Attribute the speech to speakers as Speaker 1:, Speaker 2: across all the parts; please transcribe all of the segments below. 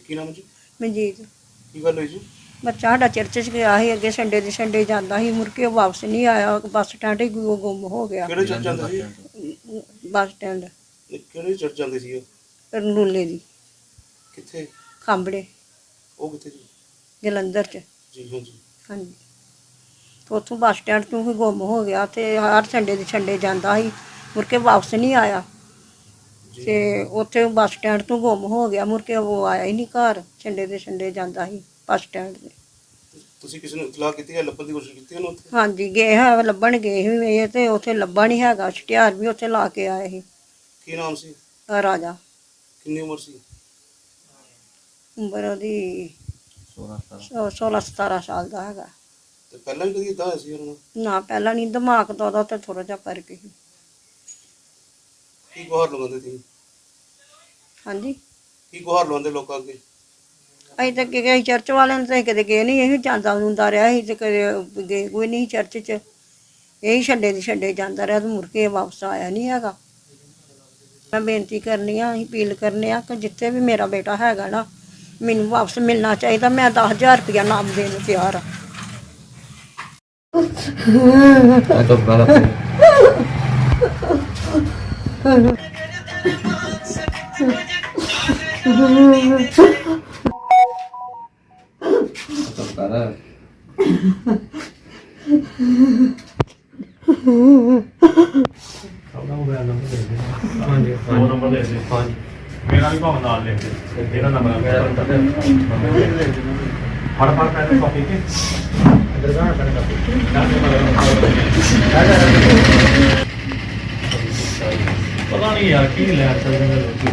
Speaker 1: ਕੀ ਨਾਮ ਜੀ?
Speaker 2: ਮਨਜੀਤ।
Speaker 1: ਕੀ ਗੱਲ ਹੋਈ ਜੀ?
Speaker 2: ਬੱਚਾ ਸਾਡਾ ਚਰਚ 'ਚ ਗਿਆ ਸੀ, ਅੱਗੇ ਸੰਡੇ ਦੇ ਸੰਡੇ ਜਾਂਦਾ ਸੀ, ਮੁੜ ਕੇ ਉਹ ਵਾਪਸ ਨਹੀਂ ਆਇਆ, ਬੱਸ ਸਟੈਂਡ ਹੀ ਗੁੰਮ ਹੋ ਗਿਆ।
Speaker 1: ਕਿਹੜੇ ਚਰਚ ਜਾਂਦੇ ਸੀ?
Speaker 2: ਬੱਸ ਸਟੈਂਡ
Speaker 1: ਕਿਹੜੇ ਚਰਚ ਜਾਂਦੇ ਸੀ ਉਹ?
Speaker 2: ਰਨੂਲੇ ਦੀ
Speaker 1: ਕਿੱਥੇ?
Speaker 2: ਖਾਂਬੜੇ
Speaker 1: ਉਹ ਕਿੱਥੇ ਜੀ?
Speaker 2: ਜਲੰਧਰ 'ਚ।
Speaker 1: ਜੀ ਹਾਂਜੀ।
Speaker 2: ਹਾਂਜੀ, ਤੇ ਉੱਥੋਂ ਬੱਸ ਸਟੈਂਡ ਤੋਂ ਹੀ ਗੁੰਮ ਹੋ ਗਿਆ ਤੇ ਹਰ ਸੰਡੇ ਦੇ ਸੰਡੇ ਜਾਂਦਾ ਸੀ, ਮੁੜ ਕੇ ਵਾਪਸ ਨਹੀਂ ਆਇਆ
Speaker 1: ਜੀ।
Speaker 2: ਤੇ ਉੱਥੇ ਬੱਸ ਸਟੈਂਡ ਤੋਂ ਗੁੰਮ ਹੋ ਗਿਆ, ਮੁੜ ਕੇ ਉਹ ਆਇਆ ਹੀ ਨਹੀਂ ਘਰ। ਸੰਡੇ ਦੇ ਸੰਡੇ ਜਾਂਦਾ ਸੀ ਬੱਸ ਸਟੈਂਡ 'ਤੇ।
Speaker 1: ਤੁਸੀਂ ਕਿਸੇ ਨੂੰ ਇਤਲਾਹ ਕੀਤੀ ਹੈ? ਲੱਭਣ ਦੀ ਕੋਸ਼ਿਸ਼ ਕੀਤੀ ਉਹਨੂੰ ਉੱਥੇ?
Speaker 2: ਹਾਂਜੀ ਗਏ ਹੈ, ਲੱਭਣ ਗਏ ਸੀ ਇਹ, ਤੇ ਉੱਥੇ ਲੱਭਾ ਨਹੀਂ ਹੈਗਾ। ਛੁਟਿਆਰ ਵੀ ਉੱਥੇ ਲਾ ਕੇ ਆਏ ਸੀ।
Speaker 1: ਕੀ ਨਾਮ ਸੀ?
Speaker 2: ਰਾਜਾ।
Speaker 1: ਕਿੰਨੀ ਉਮਰ ਸੀ?
Speaker 2: ਉਮਰ ਉਹਦੀ 16-17 ਸਾਲ ਦਾ ਹੈਗਾ।
Speaker 1: ਤੇ ਪਹਿਲਾਂ ਵੀ ਕਦੀ ਇਦਾਂ ਹੋਇਆ ਸੀ ਉਹਨਾਂ ਨਾਲ?
Speaker 2: ਨਾ ਪਹਿਲਾਂ ਨਹੀਂ, ਦਿਮਾਗ ਦਾ ਉਹਦਾ ਤੇ ਥੋੜਾ ਜਿਹਾ ਫਰਕ ਸੀ।
Speaker 1: ਕੀ ਗੁਹਾਰ ਲਗਾਉਂਦੇ ਸੀ?
Speaker 2: ਹਾਂਜੀ,
Speaker 1: ਕੀ ਗੁਹਾਰ ਲਗਾਉਂਦੇ ਲੋਕਾਂ ਅੱਗੇ?
Speaker 2: ਅਸੀਂ ਤਾਂ ਗਏ ਚਰਚ ਵਾਲਿਆਂ ਨੂੰ ਤਾਂ ਕਦੇ ਗਏ ਨਹੀਂ, ਇਹ ਜਾਂਦਾ ਹੁੰਦਾ ਰਿਹਾ ਸੀ ਤੇ ਕਦੇ ਗਏ ਕੋਈ ਨਹੀਂ ਚਰਚ 'ਚ। ਇਹੀ ਛੱਡੇ ਦੀ ਛੱਡੇ ਜਾਂਦਾ ਰਿਹਾ ਤੇ ਮੁੜ ਕੇ ਵਾਪਸ ਆਇਆ ਨਹੀਂ ਹੈਗਾ। ਮੈਂ ਬੇਨਤੀ ਕਰਨੀ ਆ, ਅਸੀਂ ਅਪੀਲ ਕਰਨੇ ਆ ਕਿ ਜਿੱਥੇ ਵੀ ਮੇਰਾ ਬੇਟਾ ਹੈਗਾ ਨਾ, ਮੈਨੂੰ ਵਾਪਸ ਮਿਲਣਾ ਚਾਹੀਦਾ। ਮੈਂ 10,000 ਰੁਪਇਆ ਨਾਮ ਦੇਣ ਨੂੰ ਤਿਆਰ ਆ।
Speaker 3: मेरा भी भाव नाल लिख दे, मेरा नंबर फड़ पैसे कॉपी के पता नहीं यार की ले चलते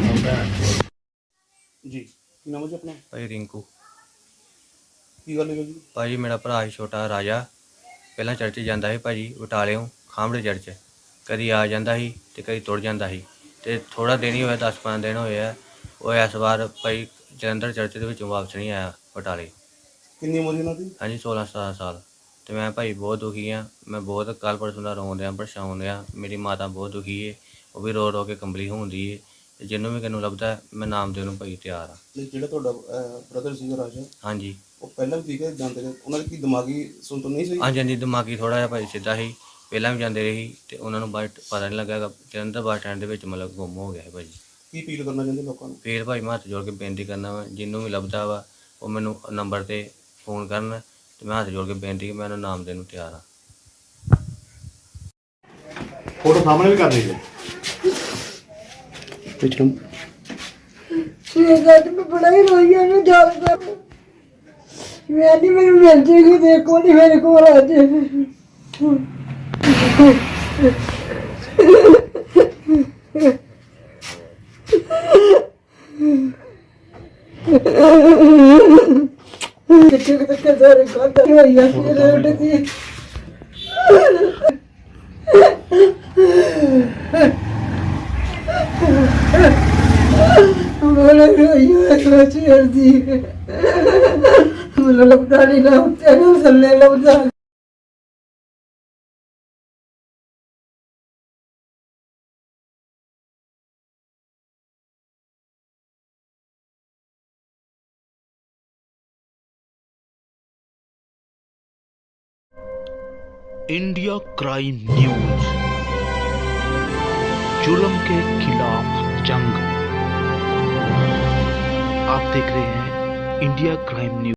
Speaker 1: ਜੀ ਕੀ ਨਾਮ ਹੈ ਜੀ ਆਪਣਾ?
Speaker 4: ਭਾਈ ਰਿੰਕੂ।
Speaker 1: ਕੀ ਗੱਲ ਹੋਈ ਜੀ?
Speaker 4: ਭਾਜੀ ਮੇਰਾ ਭਰਾ ਸੀ ਛੋਟਾ ਰਾਜਾ, ਪਹਿਲਾਂ ਚਰਚ ਜਾਂਦਾ ਸੀ ਭਾਜੀ ਬਟਾਲਿਓਂ ਖਾਂਬੜੇ ਚਰਚ। ਕਦੀ ਆ ਜਾਂਦਾ ਸੀ ਤੇ ਕਦੀ ਤੁਰ ਜਾਂਦਾ ਸੀ, ਤੇ ਥੋੜਾ ਦਿਨ ਹੀ ਹੋਇਆ, 10-15 ਦਿਨ ਹੋਏ ਆ। ਉਹ ਇਸ ਵਾਰ ਭਾਈ ਜਲੰਧਰ ਚਰਚ ਦੇ ਵਿੱਚੋਂ ਵਾਪਸ ਨਹੀਂ ਆਇਆ ਬਟਾਲੇ।
Speaker 1: ਕਿੰਨੀ ਉਮਰ ਸੀ ਉਹਨਾਂ ਦੀ?
Speaker 4: ਹਾਂਜੀ 16-17 ਸਾਲ। ਤੇ ਮੈਂ ਭਾਈ ਬਹੁਤ ਦੁਖੀ ਹਾਂ। ਮੈਂ ਬਹੁਤ ਕੱਲ੍ਹ ਪਰਸੋਂ ਦਾ ਰੋਣ ਡਿਆ, ਪਰੇਸ਼ਾਨ ਡਿਆ। ਮੇਰੀ ਮਾਤਾ ਬਹੁਤ ਦੁਖੀ ਹੈ, ਉਹ ਵੀ ਰੋ ਰੋ ਕੇ ਕੰਬਲੀ ਹੁੰਦੀ ਹੈ। ਤੇ ਜਿਹਨੂੰ ਵੀ ਕਿਨੂੰ ਲੱਭਦਾ ਮੈਂ ਨਾਮ ਦੇਣ ਨੂੰ ਭਾਈ ਤਿਆਰ ਹਾਂ।
Speaker 1: ਨਹੀਂ, ਜਿਹੜਾ ਤੁਹਾਡਾ ਬ੍ਰਦਰ ਸੀਗਾ ਰਾਜਾ,
Speaker 4: ਹਾਂਜੀ
Speaker 1: ਉਹ ਪਹਿਲਾਂ ਵੀ ਠੀਕ ਹੈ ਜਾਂਦੇ ਰਹੇ? ਉਹਨਾਂ ਦੀ ਕੀ ਦਿਮਾਗੀ ਸੁਣਤ ਨਹੀਂ ਸੀ?
Speaker 4: ਹਾਂਜੀ ਹਾਂਜੀ, ਦਿਮਾਗੀ ਥੋੜ੍ਹਾ ਜਿਹਾ ਭਾਈ ਸਿੱਧਾ ਸੀ, ਪਹਿਲਾਂ ਵੀ ਜਾਂਦੇ ਰਹੇ ਸੀ ਤੇ ਉਹਨਾਂ ਨੂੰ ਪਤਾ ਨਹੀਂ ਲੱਗਾ। ਜਲੰਧਰ ਬੱਸ ਸਟੈਂਡ ਦੇ ਵਿੱਚ ਮਤਲਬ ਗੁੰਮ ਹੋ ਗਿਆ ਹੈ ਭਾਜੀ।
Speaker 1: ਕੀ ਅਪੀਲ ਕਰਨਾ ਚਾਹੁੰਦੇ ਲੋਕਾਂ ਨੂੰ?
Speaker 4: ਫਿਰ ਭਾਈ ਮੈਂ ਹੱਥ ਜੋੜ ਕੇ ਬੇਨਤੀ ਕਰਨਾ ਵਾ, ਜਿਹਨੂੰ ਵੀ ਲੱਭਦਾ ਵਾ ਉਹ ਮੈਨੂੰ ਨੰਬਰ 'ਤੇ ਫੋਨ ਕਰਨ, ਤੇ ਮੈਂ ਹੱਥ ਜੋੜ ਕੇ ਬੇਨਤੀ ਕਿ ਮੈਂ ਉਹਨੂੰ ਨਾਮ ਦੇਣ ਨੂੰ ਤਿਆਰ ਹਾਂ।
Speaker 3: फोटो सामने भी कर दीजिए।
Speaker 2: मैं बड़ा ही रोई है, मैं याद कर मैं नहीं, मेरी मिल जाएगी, देखो नहीं मेरे को आ जाए। ਮੈਨੂੰ ਲੱਗਦਾ ਨਹੀਂ ਨਾ ਉੱਤੇ ਨੂੰ ਥੱਲੇ ਲੱਗਦਾ।
Speaker 5: इंडिया क्राइम न्यूज, जुल्म के खिलाफ जंग। आप देख रहे हैं इंडिया क्राइम न्यूज।